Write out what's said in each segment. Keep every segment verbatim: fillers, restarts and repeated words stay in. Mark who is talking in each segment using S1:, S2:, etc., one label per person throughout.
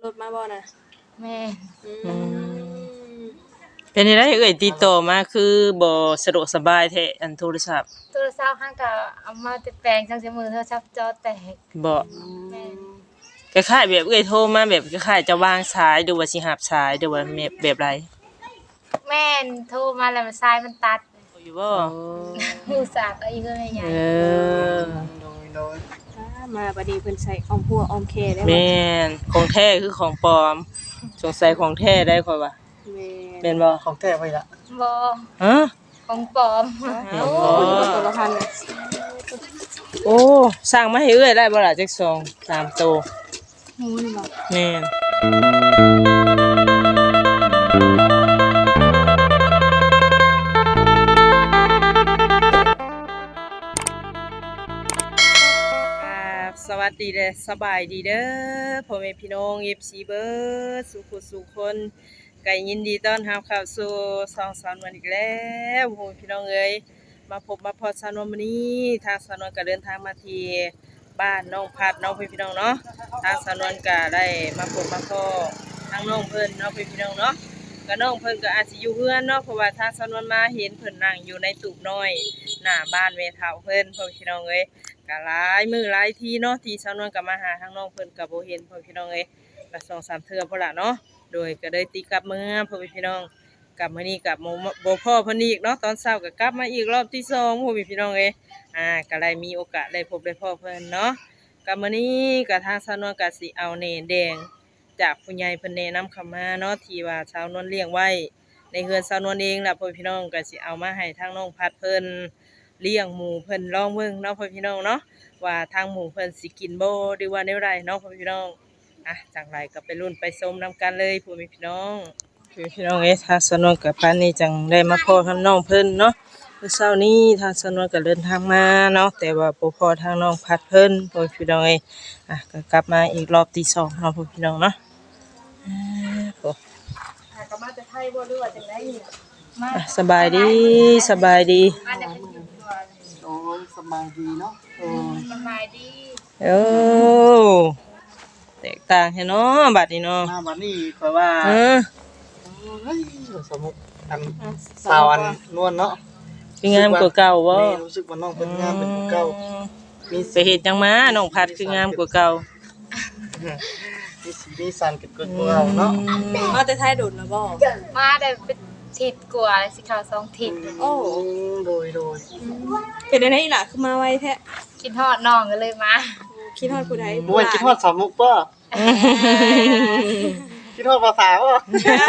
S1: ถมาบ่น่ะ
S2: แม่
S1: อืม
S3: เป็นได้เอ่ยติดต่อมาคือบ่สะดวกสบายแท้อันโทรศัพท์
S2: โทรศัพท์ห้างก็เอามาติดแปลงจังซี่มือโทรศัพท์จอแตก
S3: บ่
S2: แม่
S3: คล้ายๆแบบเอ่ยโทรมาแบบคล้ายๆจะวางสายหรือว่าสิรับสายหรือว่าแบบแบบไร
S2: แม่นโทรมาแล้วสายมันตัด
S3: อยู่บ่
S2: อุตส่าห์ก็อีกเอ้ยใหญ่
S3: เออ
S1: โดยๆมาบัดนี้เพิ่นใส่อ้อมหัวอ้อมแขได้บ่
S3: แม่นของแท้คือของปลอมสงสัยของแท้ได้ค่อยว่า
S1: แม่
S3: แม่นบ่
S4: ของแท้ไว้ละ
S2: บ่
S3: ฮะ
S2: ของปลอม
S1: โอ้ตัวละพัน
S3: โอ้สร้างมาให้เอ้ยได้บ่ล่ะจักสองสามโต
S1: หมูนี่บ่
S3: แม่นสวัสดีเด้อสบายดีเด้อพ่อแม่พี่น้อง เอฟ ซี เบิดสุขสุขคนก็ยินดีต้อนรับเข้าสู่ช่องสาววันอีกแล้วพ่อแม่พี่น้องเอ้ยมาพบมาพอสาววันนี้ทางสาวนวลก็เดินทางมาที่บ้านน้องพัดน้องพี่น้องเนาะทางสาวนวลก็ได้มาพบมาพอทางน้องเพิ่นน้องพี่น้องเนาะก็น้องเพิ่นก็อาจสิอยู่เฮือนเนาะเพราะว่าทางสาวนวลมาเห็นเพิ่นนั่งอยู่ในตูบน้อยหน้าบ้านแม่เฒ่าเพิ่นพ่อพี่น้องเอ้ยก็หลายมื้อหลายทีเนาะที่สาวนวลก็มาหาทางน้องเพิ่นก็บ่เห็นพ่อพี่น้องเอ้ยก็สองสามเทื่อพุ่นล่ะเนาะโดยก็ได้ตีกลับเมื่อพ่อพี่น้องกลับมื้อนี้กลับบ่พ่อเพิ่นอีกเนาะตอนเช้าก็กลับมาอีกรอบที่สองพ่อพี่น้องเอ้ยอ่าก็ได้มีโอกาสได้พบได้พ่อเพิ่นเนาะก็มื้อนี้ก็ทางสาวนวลก็สิเอาแหน่แดงจากผู้ใหญ่เพิ่นแนะนำเข้ามาเนาะที่ว่าสาวนวลเลี้ยงไว้ในเฮือนสาวนวลเองล่ะพ่อพี่น้องก็สิเอามาให้ทางน้องพัดเพิ่นเลี้ยงหมูเพิ่นลองเบิ่งเนาะพ่อพี่น้องเนาะว่าทางหมูเพิ่นสิกินบ่หรือว่าแนวใดเนาะพ่อพี่น้องอ่ะจังไรก็ไปลุ้นไปชมนํกันเลยพ่อพี่น้องพ่อพี่น้องเอ้ทางสาวนวลกับปานนี้จังได้มาพอทางน้องเพิ่นเนาะเมื่อเช้านี้ทางสาวนวลก็เดินทางมาเนาะแต่ว่าบ่พอทางน้องพัดเพิ่นพ่อพี่น้องเอ้อ่ะก็กลับมาอีกรอบที่สองเนาะพ่อพี่น้องเนาะอ่าโอ้
S2: ก็มาจะไทยบ่หรือว่าจังได๋มา
S3: สบายดีสบายดี
S2: มาจะเป็นอยู่ตัว
S4: โอ้ยสบายดีเนาะโอ้ย
S2: สบายดี
S3: โอ้แตกต่างแท้เนาะบัดนี้เนาะ
S4: มาบัดนี้ข่อยว่า
S3: เออ
S4: เฮ้ยสมุกอันสาวอันนวลเนาะ
S3: คืองามกว่าเก่าบ่
S4: แม่รู้สึกว่าน้องเพิ่นงามเป็นกว่าเก่า
S3: มีไปเฮ็ดจังมาน้องพัดคืองามกว่าเก่า
S4: มีสีมีสันเกิดกว่าเก่าเนาะ
S1: มาแต่ไทยโดดนะบ่
S2: มาได้เป็นทิศกว่าสิเข้าสองทิศ
S1: โอ้
S4: โดยโดย
S1: เป็นจังได๋ล่ะคือมาไวแท้
S2: คิดฮอดน้องก็เลยมา
S1: คิดฮอดผู้ใด
S4: บ่ว่าคิดฮอดสาวมุกบ่คิดฮอดภาษาบ่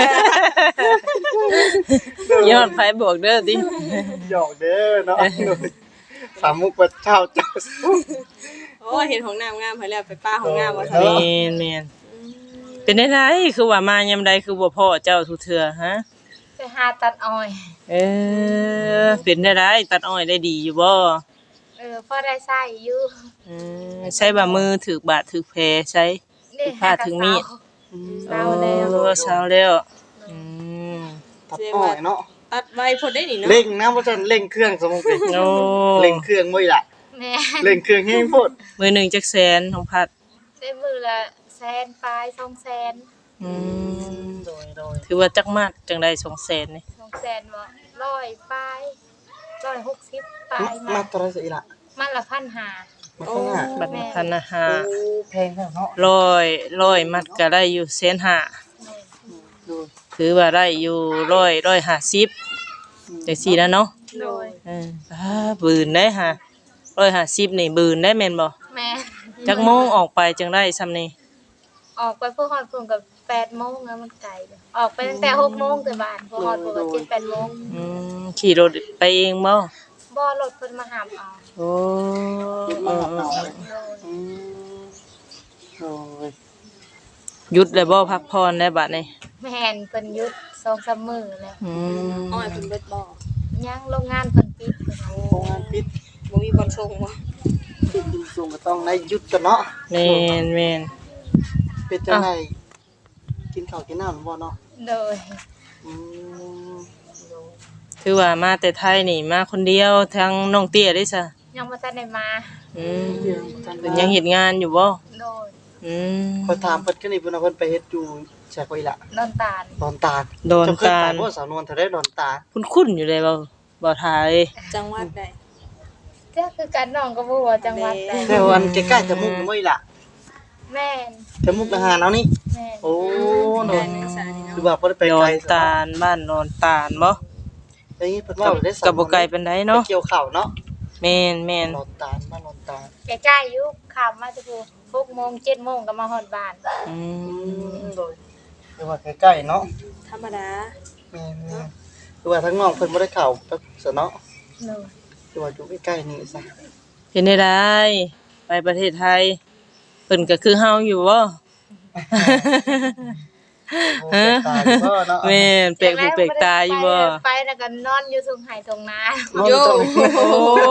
S3: ยอดไฟบวกเด้อติ
S4: หยอกเด้อเนาะสาวมุกว่าเจ้าเจ้า
S1: โอ้เห็นของน้ำงามเพิ่นแล้วไปป้าของงามว่าซั่น
S3: แม่นๆเป็นได้ไดคือว่ามายามใดคือบ่พ้อเจ้าทุกเทื่อฮะ
S2: ไปหาตัดอ้อย
S3: เออเป็นได้ไดตัดอ้อยได้ดีอยู่บ่
S2: เออพอได้ใช้อยู่
S3: อืมใช้บ่มือถูกบาดถูกแผลใช้ถูกผ้าถึงมีด
S2: เศร้าแล้ว
S3: เออเศร้าแล้วอืม
S4: ตัดอ้อยเนาะ
S1: ตัดไวพอได้นี่เนาะ
S4: เร่งนะบ่ซั่นเร่งเครื่องสมมุติ
S3: โอ้
S4: เร่งเครื่องบ่ล่ะ
S2: แม่
S4: เร่งเครื่องแฮงโพด
S3: มื้อนึงจักแสนของพัด
S2: ได้มื้อละแสนปลายสองแสน
S3: อืม
S4: โดยโดย
S3: ถือว่าจักมากจังได้สองแสนนี่
S2: สองแสนบ่ร้อยปลายหนึ่งร้อยหกสิบปลาย
S4: มาตราสิล่ะ
S2: มันละพันห้า
S4: มาข้างหน้า
S3: บัดนี้พันห้า
S4: โอ้แพงแท้เนาะ
S3: ร้อยร้อยมัดก็ได้อยู่แสนห้าถือว่าได้อยู่ร้อยร้อยห้าสิบจังซี่แล้วเนาะ
S2: โดย
S3: เอออ่าบืนได้ฮะร้อยห้าสิบนี่บืนได้แม่นบ่
S2: แม่
S3: จักโมงออกไปจังได้ซำนี้
S2: ออกไปพวกฮอดพุ่นก็แปดโมงแล้วมันไกลออกไปตั้งแต่หกโมงแต่บ้านพวกฮอดพุ่นก็เจ็ด แปดโมง
S3: อืมขี่รถไปเองบ่
S2: บ่รถเพิ่นมาหามเอา
S3: โอ้
S4: มาเอาอืมโอ้ย
S3: หยุดแล้วบ่พักผ่อนได้บัดนี้
S2: แม่นเพิ่นหยุด สองสาม มื้อแล้ว
S3: อืม
S1: อ้อยเพิ่นเบิดบ่
S2: ยังโรงงานเพิ่นปิด
S4: โรงงานปิด
S1: บ่มีบ่อนส่งบ่
S4: ปิดจริงส่งก็ต้องได้หยุดกันเนาะ
S3: แม่นแม่น
S4: เป็นจังได๋กินข้าวกินน้ำบ่เนาะ
S2: โดย
S4: อืม
S3: ถือว่ามาแต่ไทยนี่มาคนเดียวทางน้องเตี้ยได้ซะ
S2: ยังบ่ทันได้มา
S3: อืมเพิ่นยังเฮ็ดงานอยู่บ่
S2: โดย
S3: อือืม
S4: พอถามเพิ่นก็นี่เพิ่นว่าเพิ่นไปเฮ็ดอยู่แชกไว้ละ
S2: นอนตาล
S4: ดอนตาล
S3: ดอน
S4: เจ้าเคย
S3: ตา
S4: ไป
S3: ล
S4: บ่สาวนวลเท่าได้ดอนตาล
S3: คุ้นๆอยู่เลยเบ่บ่ทาย
S1: จังหวัดใด
S2: เจ้าคือกันน้องก็บ่ฮู้ว่าจังหวัดใด
S4: แต่ว่าอันใกล้ๆจมูกบ่อีหล่ะ
S2: แม่น
S4: จมูกทหารเอานี่
S2: แม่น
S4: โอ้
S1: โด
S4: โด
S1: น
S4: น
S1: นักศึกษานี่
S4: คือ
S1: เนาะ
S4: ว่าบ่ได้ไป
S3: ดอ
S4: ไกล
S3: นตาลบ้านดอนตาลบ่
S4: ไอ้เพิ่นว่าได้สา
S3: ก็
S4: ว
S3: บ่ไกลปานใดเนาะ
S4: เกี่ยวข้าวเนาะ
S3: แม่นแม่น
S4: ดอนตาลบ้านดอนตาล
S2: ใกล้ๆอยู่ขับมาจะพูหกโมงเจ็ดโมงก็มาฮอดบ้าน
S3: อื
S4: อื
S3: ม
S4: มโดยคือว่าใกล้ๆเนาะ
S1: ธรรมดา
S4: แม่นๆคือว่าทั้งน้องเพิ่นบ่ได้เข้าไปซะเนาะ
S2: หนู
S4: คือว่าอยู่ใกล้ๆนี่ซะ
S3: เป็นได้ได้ไปประเทศไทยเพิ่นก็คือเฮาอยู่บ่
S4: โอ้แปลกตาอยู่บ่เนาะ
S3: แม่นแปลกหูแปลกตาอยู่บ่
S2: ไปแล้วก็นอนอยู่ทุ่งไห่ทุ่งนา
S4: นอน
S1: โย
S4: ตรง
S3: โอ้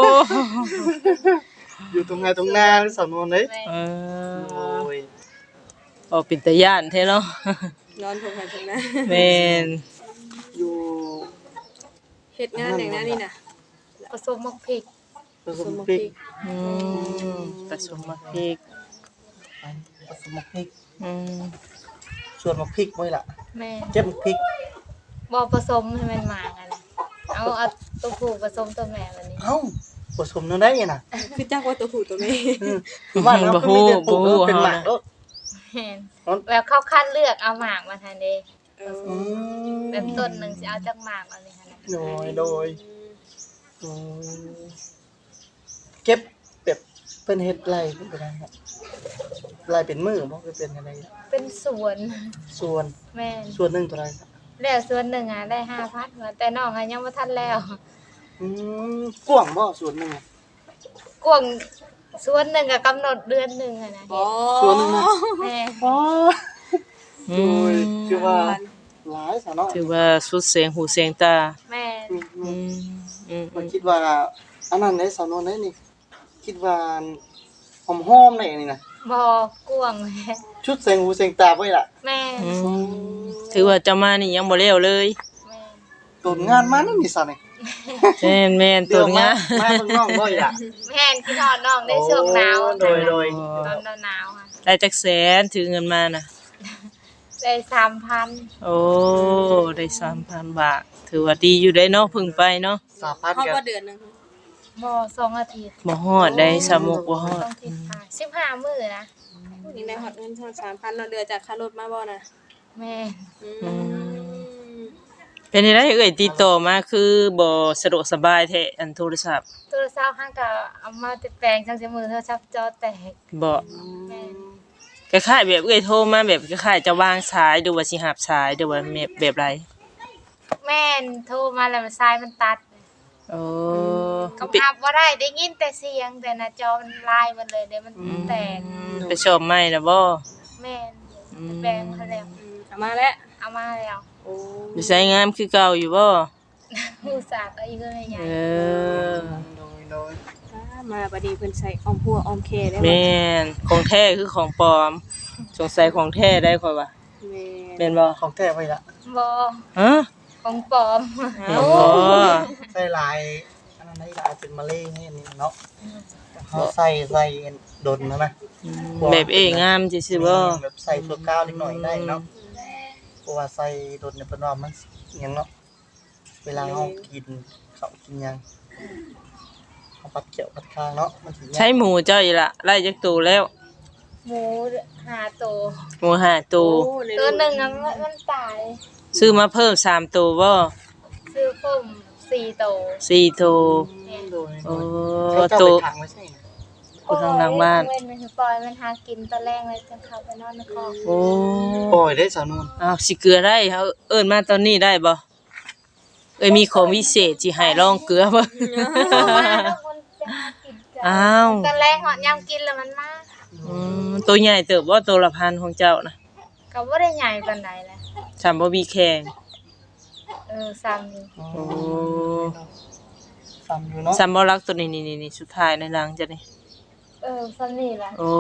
S4: อยู่ตรงไหนตรงหน้าสาวนวลเด้
S2: แม่
S3: เอ
S4: โอ้
S3: อย ออกเป็นตาย่านแท้เนาะ
S1: นอนทงไหนทงนะ
S3: แม่น
S4: อยู่
S1: เฮ็ดงานอย่างนั้นนี่น่ะ
S2: ผสมมักพริก
S4: ผสมพริก
S3: อืมผสมมะพริก
S4: ผสมพริก
S3: อืม
S4: ส่วนมะพริกไว้ล่ะ
S2: แม่
S4: เก็บมะพริก
S2: บ่ผสมให้มันหมางอะนะเอาเอาตัวผู้ผสมตัวแม่แบบนี้
S4: เอ้าผสมนั่นได้ยังน่ะ
S1: คือจักว่าตัวผู้ตัวแม่
S4: อืมคือบ้านเราก็มีแต่ปลูกแล้วเป็นหมากเด้อ
S2: แม่นแล้วเขาคัดเลือกเอาหมากมาทันเด้
S1: เออ
S4: อืม
S2: แบบต้นหนึงสิเอาจากหมากเอาเลยหั่นน่ะ
S4: โดยโดยอืมเก็บแบบเป็นเฮ็ดไรเป็นอะไรครับไรเป็นมือบ่คือเป็นอะไร
S2: เป็นสวน
S4: ส่วน
S2: แม่น
S4: ส่วนหนึงเท่าไหร่ครับ
S2: แล้วสวนหนึงอ่ะได้ห้าพันว่าแต่น้องอ่ะยังบ่ทันแล้ว
S4: อืมกว้างบ่ส่วนหนึงอะ
S2: กวางสวนหนึงก็กำหนดเดือนหนึงอะนะ
S1: อ๋อ
S4: ส่วนหนึงนะ
S2: แม่
S4: อ๋อ
S3: อื
S4: โด
S3: ม
S4: ยคือว่าหลายซะเนาะ
S3: ถือว่าสุดเสียงหูเสียงตา
S2: แม่
S4: อืม
S3: อืมอืม
S4: มันคิดว่าอันนั้นได้สาวนวลได้นี่ คิดว่าหอมหอมๆได้นี่นะ
S2: บ่กวางแม่
S4: ชุดเสียงหูเสียงตาไว้ล่ะ
S2: แม่
S3: อืมถือว่าจะมานี่ยังบ่แล้วเลย
S2: แม่
S4: ตนงานมานั่นนี่ซะนี่
S3: แม่นแม่นตัวงา
S4: มาเบิ่งน้องบ่อีล่ะ
S2: แม่นคิดฮอดน้องได้ช่วงหนาว
S4: โดยโดย
S2: ตอนหนาวๆค่ะ
S3: ได้จักแสนถือเงินมาน่ะ
S2: ได้สามพัน
S3: โอ้ ได้ สามพัน บาท ถือว่าดีอยู่ได้เนาะเพึ่งไปเนาะ
S4: สามพัน
S1: เฮา
S4: กั
S1: บ่
S4: น
S1: เดือนหนึง
S2: บ่สองอาทิตย์
S3: บ่ฮอดได้สามมุกบ่ฮอด
S2: ต้องทิศทางสิบห้ามื้อนะ
S1: นี่ได้ฮอดเงินเท่าสามพันเนาะเดือนจากค่ารถมาบ่น่ะ
S2: แม่
S1: อืม
S3: เป็นจังได๋เอ่ยติดต่อมาคือบ่สะดวกสบายแท้อันโทรศัพท์
S2: โทรศัพท์ห้างก็เอามาติดแปลงจังซี่มือโทรศัพท์จอแตก
S3: บ่
S2: แม่
S3: คล้ายๆแบบเอ่ยโทรมาแบบคล้ายๆจะวางสายหรือว่าสิรับสายหรือว่าแบบแบบไร
S2: แม่นโทรมาแล้วมันสายมันตัด
S3: โอ้
S2: ก็พับบ่ได้ได้ยินแต่เสียงแต่หน้าจอมันลายมันเลยเดี๋ยวมันแตก
S3: ไปชอบใหม่นะบ่
S2: แม่นไปแปลงเขาแล้ว
S1: อืมเอามาแล้ว
S2: เอามาแล้ว
S1: โอ้
S3: อยู่ใช้งามคือเก่าอยู่บ่
S2: ผู้สากก็อีกเลยใหญ่
S3: เออ
S4: โดยโดย
S1: อ่ามาบัดนี้เพิ่นใส่อ้อมหัวอ้อมแคได้บ่
S3: แม่นของแท้คือของปลอมสงสัยของแท้ได้ค่อยว่า
S1: แม่
S3: แม่นบ่
S4: ของแท้ไว้ล่ะ
S2: บ่
S3: ฮะ
S2: ของปลอม
S3: แม่นบ่
S4: ใส่ลายอันนั้นได้ลายเป็นมะเร็งนี่นี่เนาะเฮาใส่ใส่ดนนะนะ
S3: แบบเองามซื่อๆบ่
S4: แบบใส่ชั่วคราวนิดหน่อยได้เนาะเพราะว่าใส่ดนเนี่ยเพิ่นว่ามันหยังเนาะเวลาเฮากินข้าวกินหยังเฮาปัดเกี่ยวปัดคางเนาะมันสิยาก
S3: ใช้หมูเจ้าอีละไล่จักตัวแล้ว
S2: หมูหาตัว
S3: หมูห้าตัว
S1: โอ้ใน
S2: ตัวห
S1: นึ
S2: นึ่
S1: ง
S2: งอะมันมันตาย
S3: ซื้อมาเพิ่มสามตัวบ่
S2: ซื้อผมสี่ตัว
S3: สี่ตัว
S4: โดย
S3: โอ้
S4: เขาเจ้า
S3: ตัว
S4: ไปขังไว้ใช่ไหม
S3: อยู่ทางหลังบ้าน
S2: โอ้ยเว้นมันคือปล่อยมันหากินตอนแรกเลยจนเข้าไปนอนในคอก
S3: โอ้
S4: ปล่อยได้สาวนวล
S3: อ้าวสิเกลือได้เขาเอิ้นมาตอนนี้ได้บ่เอ้ยมีของวิเศษสิให้ลองเกลือบ่
S2: เอามาแล้วมันจะหากินกัน
S3: อ้าว
S2: ตอนแรกหอดยำกินแล้วมันมา
S3: อืมตัวใหญ่เติบบ่ตัวละพันของเจ้านะ
S2: ก็บ่ได้ใหญ่ปานใดแหละ
S3: สามบ่มีแข่ง
S2: เออซ้ำอยู่
S3: โอ้
S4: ซ้ำอยู่เนาะ
S3: สามบ่รักตัวนี้นี่ๆๆสุดท้ายในหลังจ้ะนี่
S2: เออซ้ำนี่แหละ
S3: โอ้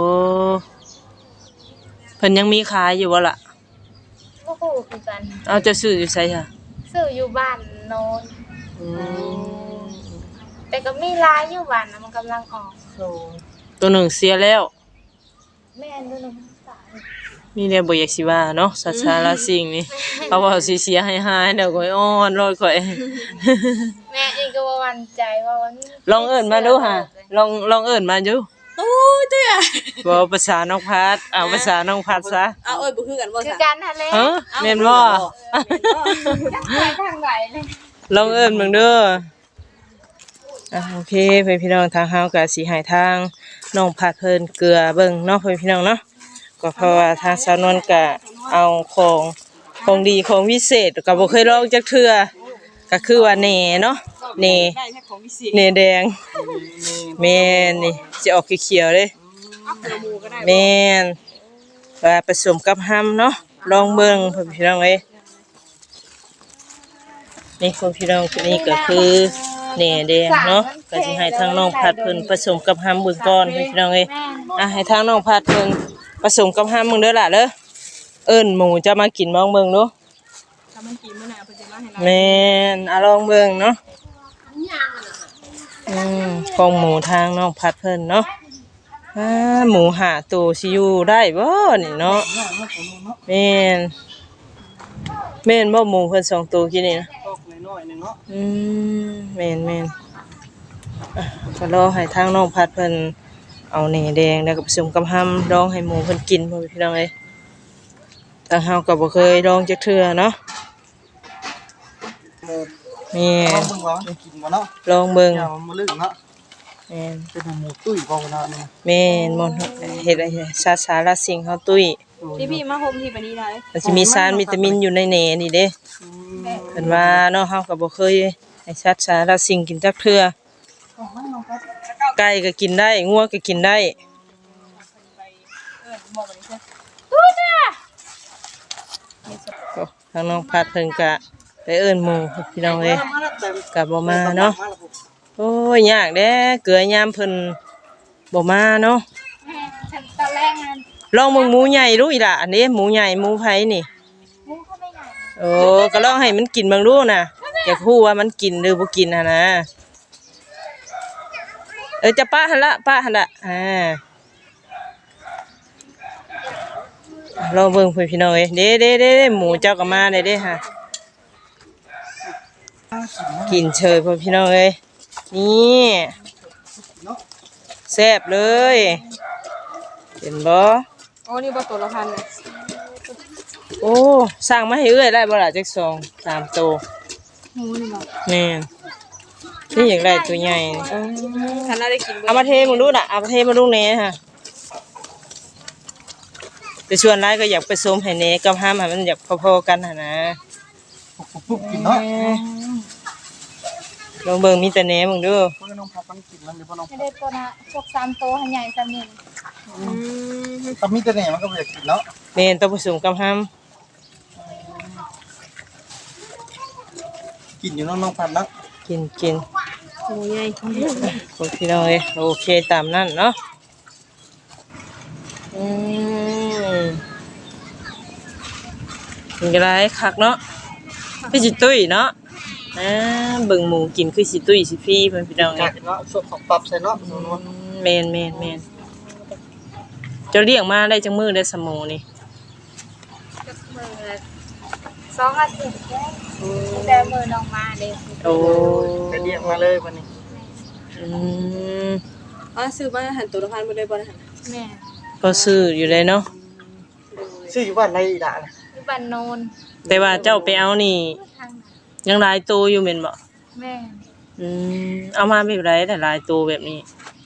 S3: เพิ่นยังมีขายอยู่บ่ล่ะ
S2: บ่ฮู้คือกัน
S3: เอาจะซื้ออยู่ไสค่ะ
S2: ซื้ออยู่บ้านโนน
S3: อืม
S2: แต่ก็มีหลายอยู่บ้านนะมันกำลังออก
S4: โอ้
S3: ตัวหนึ่งเสียแล้ว
S2: แม่นด้วยนะตา
S3: มีแนวบ่อยากสิว่าเนาะสัตว์สารสิ่งนี่เขาว่าสิเสียหายๆเดี๋ยวข่อยอ้อนรอข่อย
S2: แม่เองก็บ่มั่นใจว่ามัน
S3: ลองเอิ้นมาดูค่ะลองลองเอิ้นมาดู
S1: โอ้ยเต้ย
S3: บ่ภาษาน้องพัดเอาภาษาน้องพัดซะ
S1: เอาเอ้ยบ่คือกันบ่
S2: คือ
S1: ซะ
S2: การทะเล
S3: ฮะแม่นบ่
S2: ไปทางไหนเลย
S3: ลองเอิ้นเบิ่งเด้ออ่ะโอเคเพื่อนพี่น้องทางเฮาก็สิให้ทางน้องพัดเพิ่นเกลือเบิ่งเนาะเพื่อนพี่น้องเนาะก็เพราะว่าทางสาวนวลก็เอาของของดีของวิเศษก็บ่เคยลองจักเทื่อก็คือว่าแหน่เนาะแหน่
S1: ได้แค่ของพิเศษ
S3: แหน่แดงแม่นนี่สิออกเขียวๆเด้
S1: เอาเกลือหมูก็ได้
S3: แม่นว่าผสมกับห้ำเนาะลองเบิ่งเพื่อนพี่น้องเอ้ยนี่เพื่อนพี่น้องคนนี้ก็คือแหน่แดงเนาะก็สิให้ทางน้องพัดเพิ่นผสมกับห้ำเบิ่งก่อนเพื่อนพี่น้องเอ้ยอ่ะให้ทางน้องพัดเพิ่นผสมกับห้ำมึงเด้อล่ะเด้อเอิ้นหมูจะมากินมองเบิ่งดู
S1: ถ้ามันกินมื้อหน้าเพิ่นจะมาให้เรา
S3: แม่นอ่ะลองเบิ่งเนาะอืมของหมูทางน้องพัดเพิ่นเนาะอ่าหมูหาตัวสิอยู่ได้บ่นี่เนาะแม่นแม่นบ่หมูเพิ่นสองตัวกินนี่นะ
S4: ตกน้อยๆหนึงเนาะ
S3: อืมแม่นแม่นอ่ะก็รอให้ทางน้องพัดเพิ่นเอาแหน่แดงแล้วก็ผสมกับห้ำลองให้หมูเพิ่นกินพ่อพี่น้องเอ้ยทางเฮาก็บ่เคยลองจักเทื่อเนาะ
S4: หมู
S3: แม่
S4: ลอง
S3: น
S4: เบิ่งว่ามันกินบ่เนาะ
S3: ลองเบิ่ง
S4: อย่ามันบ่ลึกเนาะ
S3: แม่น
S4: เป็นหมูตุ้ยบ่เนาะนี่
S3: แม่นมอนเฮ็ดอะไรชาสาราสิ่งเฮาตุ้ย
S1: พี่พี่มาโฮมที่ปานนี้ได้
S3: มันสิมีสารวิตามินอยู่ในแหน่นี่เด้เพิ่นว่าเนาะเฮาก็บ่เคยให้สัตว์สาราสิ่งกินจักเทื่อไก่ก็กินได้งัวก็กินได้โอ้ทางน้องพัดเพิ่นก็ไปเอิ้นหมู่พี่น้องเอ้ยก็บ่มาเนาะโอ้ยยากเด้เกลือยามเพิ่นบ่มาเนาะ
S2: ฉันตอนแรกนั้น
S3: ลองมึงหมูใหญ่ดูอีล่ะอันนี้หมูใหญ่หมูไผนี่
S2: มุ้งเขาไม่ใหญ่
S3: โอ้ก็ลองให้มันกินเบางดูน่ะอยากฮู้ว่ามันกินหรือบ่กินหั่นนะเออจะป้าหั่นละป้าหั่นละอ่าลองเบิ่งเพิ่นพี่น้องเอ้ยเด้เด้เด้เด้หมูเจ้าก็มาได้เด้ฮะกินเฉยเพิ่นพี่น้องเอ้ยนี่แซ่บเลยเห็นบ่
S1: โอ้นี่บ่ตัวละพันเลย
S3: โอ้สร้างมาให้เอื้อยได้บ่ล่ะจักสองสามโตว
S1: หมูนี่บ่
S3: แม่นนี่อยากได้ตัวใหญ่นี่
S1: คันน่าได้กินเบิ่
S3: เอามาเทมึงดูน่ะเอามาเทมาดูแหน่ฮะแต่ส่วนหลายก็อยากผสมให้แหน่กับห้ามให้มันอยากพอๆกันหั่นนะ
S4: ปุ๊บๆกินเนาะ
S3: ลองเบิ่งมีแต่แหน่มึงดู
S4: เพิ่นน้องพักมันกินมันเดี๋ยวบ่น้อง
S2: ไม่ได้ตัวนะพวกสามโตวให้ใหญ่สามนี่
S1: อืม
S4: ถ้ามีแต่แหน่มันก็บ่อยากกินเนาะ
S3: แม่นต้องผสมกับห้าม
S4: กินอยู่เนาะน้องพันเนาะ
S3: กินกิน
S1: หมูใหญ่
S3: คนพี่น้องเอ้ยโอเคตามนั้นเนาะอืมเป็นก็ได้คักเนาะคือสิตุ้ยเนาะอ่าเบิ่งหมูกินคือสิตุ้ยสิฟรีเพิ่นพี่น้อง
S4: จั
S3: เอ้
S4: ก
S3: ย
S4: เนาะสดของปรับใส่เนาะ
S3: อืมแม่นแม่นแม่นเจะเลี้ยงมาได้จังมื้อได้สมอนี่
S2: มือละสองอาทิตย์แค่แต่มือน้องมาเด็ก
S3: โอ้
S4: จะเรียกมาเลยวันนี้
S3: อืม
S1: อ๋อซื้อมาหันตัวละพันบ่ได้บ่ได้หั่น
S2: แม่
S3: ก็ซื้ออยู่เลยเนาะ
S4: ชื่ออยู่บ้านไรอีด่าน่ะ
S2: ที่บ้านโนน
S3: แต่ว่าเจ้าไปเอานี่
S2: ทางไหน
S3: ยังหลายตัวอยู่แม่นบ่
S2: แม่
S3: อืมเอามาแบบไรแต่หลายตัวแบบนี้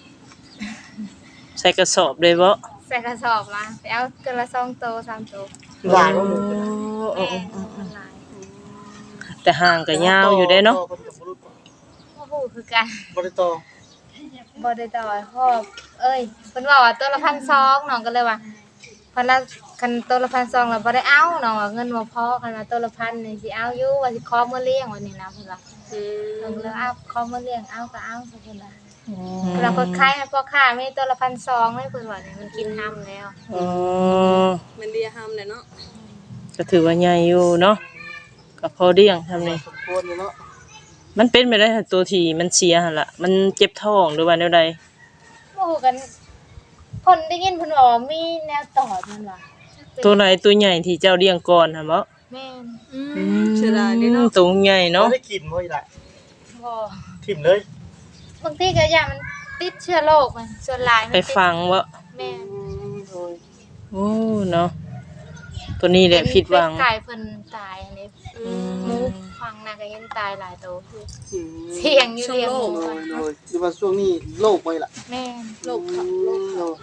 S3: ใส่กระสอบเลยบ่
S2: ใส่กระสอบมาไปเอาเกินละสองโตวสามโตว
S4: หลายว่าหมู
S3: โอ้
S2: แม่
S3: โอ้โอ้
S2: หลาย
S3: แต่ห่างก็ยาวอยู่เด้เนาะ
S4: ต่อพิ่นก็บ่รู้
S2: พ่อพูดคือกัน
S4: บ่ได้ต่อ
S2: บ่ได้ต่อพ่อเอ้ยเพิ่นว่าว่าตัวละพันสองน้องก็เลยว่าเพิ่นละคันตัวละพันสองแล้วบ่ได้เอาน้องว่าเงินบ่พอคันว่าตัวละพันนี่สิเอาอยู่ว่าสิขอมื้อเลี้ยงวันนี้นะเพิ่นว่า
S1: อื
S2: เพิ่น
S1: ม
S2: ก็เลยเอาขอมื้อเลี้ยงเอาก็เอาเพิ่นว่าเวลาเพิ่นขายให้พ่อค้ามีตัวละพันสองเลยเพิ่นว่านี่มันกินห้ำแล้ว
S3: อ๋อ
S1: มันเลียห้ามเลยเนาะ
S3: ก็ถือว่าใหญ่อยู่เนาะก็พอเลี้ยงทำนี่
S4: สมควรอยู่เนาะ
S3: มันเป็นไปได้ถ้าตัวที่มันเสียหั่นล่ะมันเจ็บท้องหรือว่าแนวใด
S2: บ่ฮู้กันคนได้ยินเพิ่นว่ามีแนวตอดมันว่า
S3: ตัวไหนตัวใหญ่ที่เจ้าเลี้ยงก่อนหั่นบ่
S2: แม่น
S1: อืมเสียดายเด้เนาะ
S3: ตัวใหญ่
S4: บ่
S3: เนาะ
S4: ได้กินบ่อีหล่ะ
S2: บ่
S4: ทิ่มเลย
S2: บางทีก็อย่างมันติดเชื้อโรคมันส่วนหลายมัน
S3: ไป
S2: ติด
S3: ฟังบ่
S2: แม่น
S4: โดย
S3: โอ้เนาะตัวนี้แหละผิดหวัง
S2: เป็ดไก่เพิ่นตายอันนี้
S1: อืม
S2: หมูฟังน่ะก็เห็นตายหลายตัวคือ
S4: อืม
S2: เสี่ยงอยู่เลี้ยงหมู
S4: โด
S2: ก่อย น
S4: โดยหรือว่าช่วงนี้โรคบ่อีหล่ะ
S2: แม่น
S1: โลกขับโลกขับ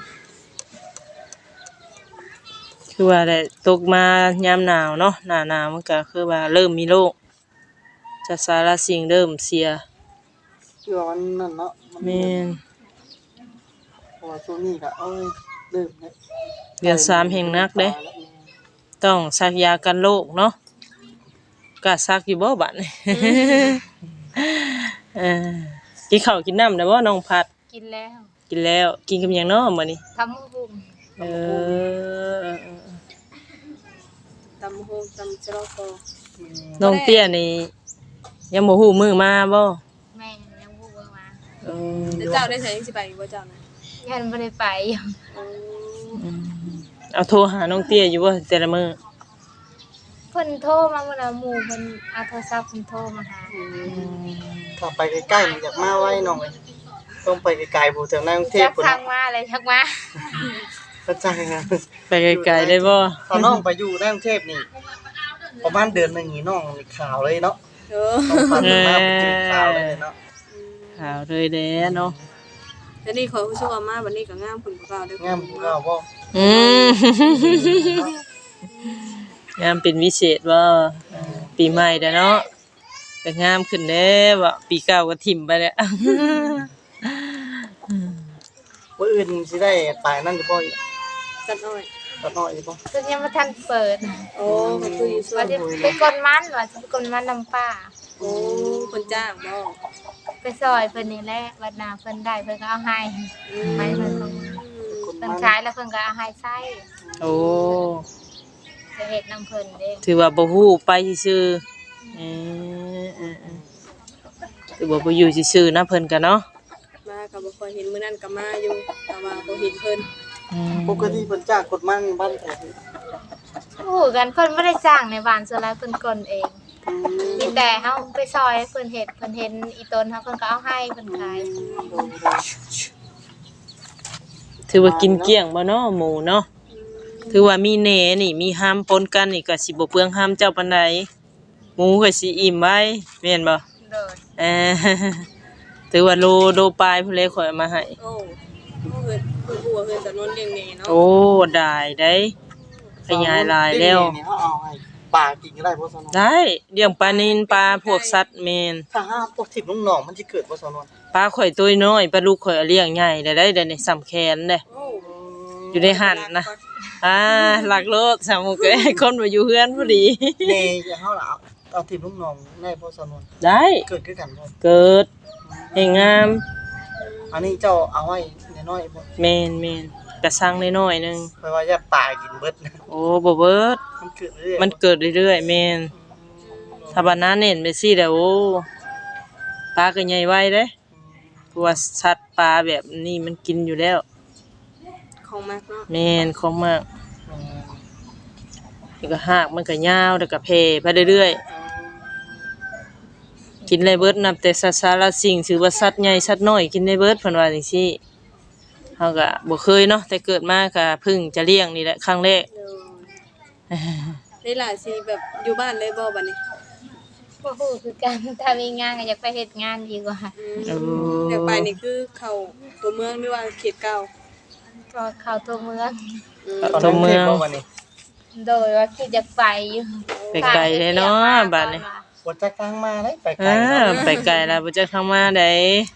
S3: คือว่าได้ตกมายามหนาวเนาะหน้าหนาวมันก็คือว่าเริ่มมีโรคจะสารสิ่งเริ่มเสีย
S4: คือว่ามันนั่นเนาะมัน
S3: แม่น
S4: เพราะว่าช่วงนี้ก็เอ้ยเริ่มแล้ว
S3: เดือนสามแห่งนักเด้ ต้องซักยากันโรคเนาะกล้าซักอยู่บ่บัดนี้ เออกินข้าวกินน้ำได้บ่น้องพัด
S2: กินแล้ว
S3: กินแล้วกินกับหยังเนาะมื้อนี้
S2: ทำมือบุ่ม
S3: เออ
S1: ตำโฮงตำจะรอคอ
S3: น้องเตี้ยนี่ยังบ่ฮู้มื้อมาบ่
S2: แม่ยังบุ่มมา
S3: เออ
S1: แล้วเจ้าได้ใช้ยังสิไปบ่เจ้านะ
S2: ยันบ่ได้ไปอยู่
S1: อืม
S3: เอาโทรหาน้องเตี้ยอยู่บ่แต่ละมื้อ
S2: เพิ่นโทรมาเมื่อหมู่เพิ่นเอาโทรศัพท์เพิ่นโทรมาหา
S4: ถ้าไปใกล้ๆมันอยากมาไว้น้องเอ้ยต้องไปไกลๆผู้แถวในกรุงเท
S2: จั
S4: พ
S2: ก
S4: พุ่น
S2: ทางมาเลยจักมา
S4: เข้าใจนะ
S3: ไปไกลๆได้บ่
S4: ถ้าน้องไปอยู่ในกรุงเทพนี่ประมาณเดือนหนึงนี่น้องนี่ข่าวเลยเนาะ
S1: เออ
S4: ต้องฟังมาเป็นจริงข่าวเลยเนาะ
S3: ข่าวเลยแด้เนาะ
S1: แล้วนี่ขอผู้ช่วยมาวันนี้ก็งามผลกว่าเด้อง
S4: ามก็บ่
S3: อืม งามเป็นวิเศษบ่ปีใหม่เด้อเนาะก็งามขึ้นเด้บ่ปีเก่าก็ถิ่มไปแล้ว
S4: ว่าอื่นสิได้ไปนั่นสิบ่อีก
S1: จัดอ้อย
S4: ก็น้อยสิบ่
S2: เพิ่นยังบ่ทันเปิด
S1: โอ้ก็คืออยู่ช่ว
S2: ว่าย จะไปกดมันว่าจะไปกดมันนำป้า
S1: โอ้เพิ่นจ้างบ่
S2: ไปซอยเพิ่นนี่แหละบัดหน้าเพิ่นได้เพิ่นก็เอาให้ให้เพิ่นก็
S4: คน
S2: เพิ่น
S4: มัน
S2: ขายแล้วเพิ่นก็เอาให้ใช้
S3: โอ้
S2: จะเฮ็ดนำเพิ่นเด้
S3: ถือว่าบ่ฮู้ไปซื่อๆเออเออๆถือว่าบ่อยู่ซื่อๆนะเพิ่นก็เนาะ
S1: มาก็บ่ค่อยเห็นมื้อนั้นก็มาอยู่แต่ว่าบ่เห็นเพิ่น
S3: อืม
S4: ปกติเพิ่นจ้างกดมันบ้านแท้
S2: โอ้กันเพิ่นบ่ได้จ้างในบ้านส่วนหลายเพิ่นกลเองมีแต่เฮาไปซอยให้เพิ่นเฮ็ดเพิ่นเห็นอีต้นเฮาเพิ่นก็เอาให้เพิ่นขาย
S3: ถือว่ากินเกลี้ยงบ่เนาะหมูเนาะถือว่ามีแหน่นี่มีหามปนกันนี่ก็สิบ่เปลืองหามเจ้าปานใดหมูก็สิอิ่มไว้แม่นบ่
S2: โดย
S3: เออ ถือว่าโลโลปลายพุ่นเลยข่อยเอามาให้
S1: โอ้เพิ่นเพิ่นฮู้ว่าเพิ่นจะนอนเลี้ยงแหน่เนาะ
S3: โอ้ได้ได้ขยายหลายแล้ว
S4: นี่เฮาเอาให้ปลากินก็ได้บ่ซะเนาะ
S3: ได้เลี้ยงปลานิลปลาพวกสัตว์แม่น
S4: ถ้าหาพวกทิพย์น้องๆมันสิเกิดบ่ซะเนาะ
S3: ปลาข่อยตัวน้อยปลาลูกข่อยเอาเลี้ยงใหญ่ได้ได้ได้นี่สำแขนเด้
S1: โอ้
S3: อยู่ในหั่นนะอ่าหลักโลดสามมุกเอ้ยคนบ่อยู่เฮือนพอดี
S4: แน่อย่าเฮาล่ะเอาเอาทิพย์น้องๆได้บ่ซะเนาะ
S3: ได้
S4: เกิดคือกันบ่
S3: เกิดให้งาม
S4: อันนี้เจ้าเอาไว้น้อยๆบ่
S3: แม่นแม่นกระสังน้อยๆหนึง
S4: เพราะว่าอย่าปลากินเบิดนะ
S3: โอ้บ่เบิด
S4: มันเกิดเรื่อยๆ
S3: มันเกิดเรื่อยๆแม่นถ้าบัดนั้นเน้นไปซี่แล้วโอ้ปลาก็ใหญ่ไวเด้เพราะว่าสัตว์ปลาแบบนี้มันกินอยู่แล้ว
S1: ของมากเนาะ
S3: แม่นของมากนี่ก็หากมันก็ยาวแล้วก็แผ่ไปเรื่อยๆกินได้เบิดนับแต่สัตว์สารสิ่งถือว่าสัตว์ใหญ่สัตว์น้อยกินได้เบิดเพิ่นว่าจังซี่เฮาก็บ่เคยเนาะแต่เกิดมาก็เพิ่งจะเลี้ยงนี่แหละครั้งแรก
S1: เออได้หลายสิแบบอยู่บ้านเลยบ่บัดนี้
S2: บ่ฮู้คือกันถ้ามีงานก็อยากไปเฮ็ดงานดีกว่า
S1: อืมเดี๋ยวไปนี่คือเข้าตัวเมืองหรือว่าเขตเก่า
S2: ก็เข้าตัวเมือง
S1: อืม
S3: ตัวเมือง
S4: บ่วันนี้
S2: โดยว่าคิดอยากไปอยู่
S3: ไปไกลเลยเนาะบัดนี้
S4: บ่จักทางมาได้ไปไกล
S3: อ่า
S4: เนาะ
S3: ไปไกลแล้วบ่จักทางมาได้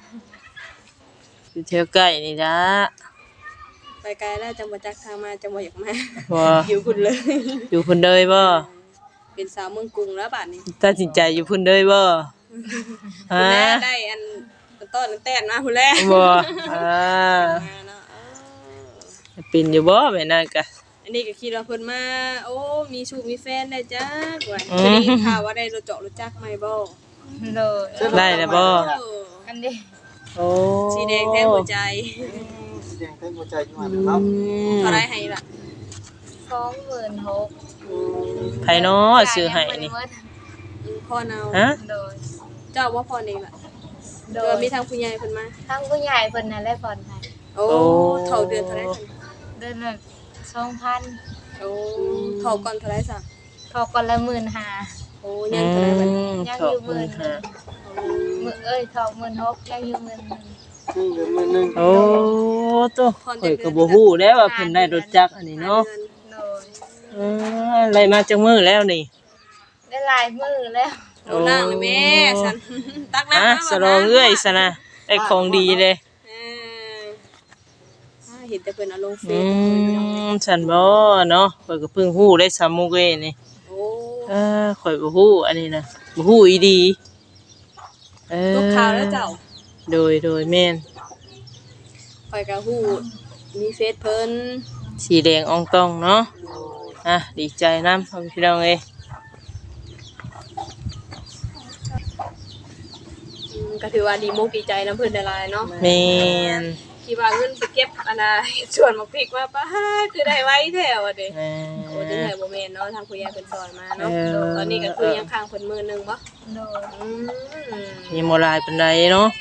S3: อยู่แถวใกล้นี่ล่ะ
S1: ไปไกลแล้วจังบ่จักทางมาจังบ่อยากมา
S3: บ่
S1: อยู่พุ่นเลย
S3: อยู่พุ่นเด้ยบ่
S1: เป็นสาวเมืองกรุงแล้วบัดนี้
S3: ตัดสินใจอยู่พุ่นเด้ยบ่
S1: พุ่
S3: ฮะ
S1: นแลได้อันต้นแต้นมาพุ่นแล
S3: บ่อ่า
S1: มาเนาะเออ
S3: เป็นอยู่บ่แม่นนก็
S1: อันนี้ก็คิดว่าเพิ่นมาโอ้มีชูมีแฟนได้จักว่า
S3: อืม
S1: จะได้ข่าวว่าได้รถเจาะรถจักรใหม่บ่
S2: โดย
S3: ได้แล้วบ่
S1: เออ
S2: อันนี้
S3: โอ้
S1: สีแดงแท้หัวใจ
S4: สีแดงเต็มหัวใจอยู่หั่นเนาะ
S1: เท่าไรให้ล่ะ
S2: สสองหมื่นหก
S3: ไผเนาะซื้อให้นี่
S1: อืมพ่อเอา
S3: ฮะ
S2: โดย
S1: เจ้าว่าพ่อเองล่ะ
S2: โด
S1: เอย อมีทางผู้ใหญ่เพิ่นมา
S2: ทั้งผู้ใหญ่เพิ่นน่ะได้ผ่อนให้
S1: โอ้เท่าเดือนเท่าไหร่ซั่น
S2: เดือนละสองพัน
S1: โอ้เท่าก่อนเท่าไหร่ซะ
S2: พอก่อนละหมื่นห้า
S1: โอ้ยังเท่าไหร่บัดนี้
S2: ยังอยู่หมื่นหนึ่งมื้อเอ้ยทองหมื่นหกยังอยู่หมื่นหนึ่ง
S4: นี่เดือนมื้อหนึง
S3: โอ้ตัวข่อยก็บ่ฮู้แล้วว่าเพิ่นได้รถจักรอันนี้เนาะ
S2: โดย
S3: เอออะไรมาจังมื้อแล้วนี่
S2: ได้หลายมื้อแล้ว
S1: โอ้ล่างเลยแม่ฉันตักน้ำ
S3: ฮะ
S1: มา
S3: สรองเอ้ยซะนะได้ของดีเลย
S1: เอออ่าเห็นแต่เพิ่นเอาลงเฟ
S3: อื
S1: ซ
S3: มฉันบ่เนาะข่อยก็เพิ่งฮู้ได้สามมุกเอ้ยนี่
S1: โอ้
S3: เออข่อยบ่ฮู้อันนี้นะบ่ฮู้อีดีเออ
S1: ลูกค้าวแล้วเจ้า
S3: โดยโดยแม่น
S1: ข่อยก็ฮู้มีเฟซเพิ่น
S3: สีแดงอองตองเนาะอ่ะดีใจนำพ่อพี่น้องเอ้ย
S1: อืมก็ถือว่าดีมุกดีใจนํเพิ่นได้หลายเนาะ
S3: แม่น
S1: คิดว่าเงินไปเก็บอันน่ะส่วนมาพริกมาป้าคือได้ไว้แท้ว่าเด้
S3: แม่
S1: โอ้จังได๋บ่แม่นเนาะทางผู้ใหญ่เพิ่นซอยมาเนาะ
S3: เออ
S1: ตอนนี้ก็คือยังค้างเพิ่นมื้อหนึงบ่
S2: โดย
S1: อืม
S3: ยังบ่หลายปานใดเนาะ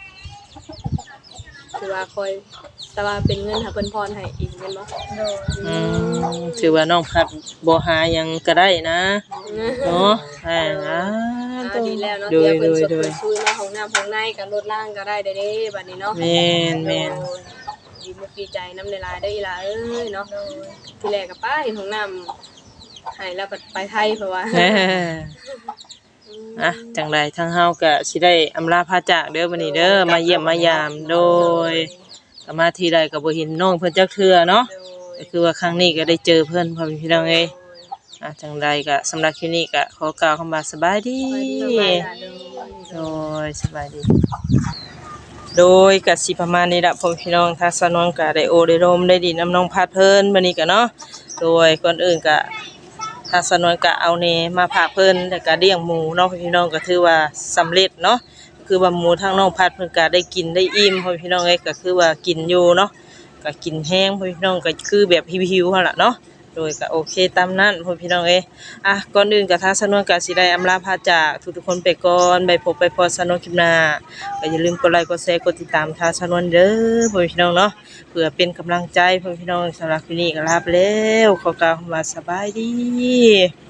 S1: ถือว่าคอยแต่ว่าเป็นเงินหาเพิ่นพรให้อีกแม่นบ่
S2: โดย
S3: อืมถือว่าน้องพัดบ่หาหยังก็ได้นะเนาะอ่า
S1: อ่าดีแล้วเนาะ
S3: โด
S1: เดี๋
S3: ย
S1: ยวเพิ่น
S3: โดย
S1: สด
S3: โดย
S1: เพิ่นซุยมาห้องน้ำห้องในก็ลดล่างก็ได้เด้เด้บัดนี้เนาะ
S3: แม่นแม่น
S1: โอ้ยดีมุกดีใจนำหลายๆเด้ออีหล่าเอ้ยเนาะ
S2: โดย
S1: ทีแรกก็ป้าเห็นห้องน้ำให้แล้วบัดไปไทยเพราะว่า
S3: เอ้ออ่ะจังใดทางเฮาก็สิได้อำลาพาจากเด้อบัดนี้เด้อมาเยี่ยมมายามโดยก็มาทีใดก็บ่เห็นน้องเพิ่นจักเทื่อเนาะ
S1: โดย
S3: ก็คือว่าครั้งนี้ก็ได้เจอเพิ่นพ่อแม่พี่น้องเอ้ยอ่ะจังใดก็สำหรับคลิปนี้ก็ขอกล่าวคำว่าสบายดี โดยสบายดี โดยก็สิประมาณนี้ล่ะพ่อแม่พี่น้องทางสนวนก็ได้โอได้ร่มได้ดินน้ำน้องพัดเพิ่นบัดนี้ก็เนาะโดยก่อนอื่นก็ทางสนวนก็เอาแหนมาฝากเพิ่นแล้วก็เลี้ยงหมูเนาะพ่อพี่น้องก็ถือว่าสำเร็จเนาะคือว่าหมูทางน้องพัดเพิ่นก็ได้กินได้อิ่มพ่อพี่น้องเอ้ยก็คือว่ากินอยู่เนาะ ก็กินแห้งพ่อพี่น้องก็คือแบบหิวๆหั่นล่ะเนาะโดยก็โอเคตามนั้นพ่อพี่น้องเอ้ยอ่ะก่อนอื่นก็ทางสนวนก็สิได้อำลาพาจากทุกๆคนไปก่อนไปพบไปพอสนวนคลิปหน้าก็อย่าลืมกดไลค์กดแชร์กดติดตามทางสนวนเด้อพ่อพี่น้องเนาะเพื่อเป็นกำลังใจพ่อพี่น้องสำหรับคลิปนี้ก็ลาไปแล้วขอกล่าวคำว่าสบายดี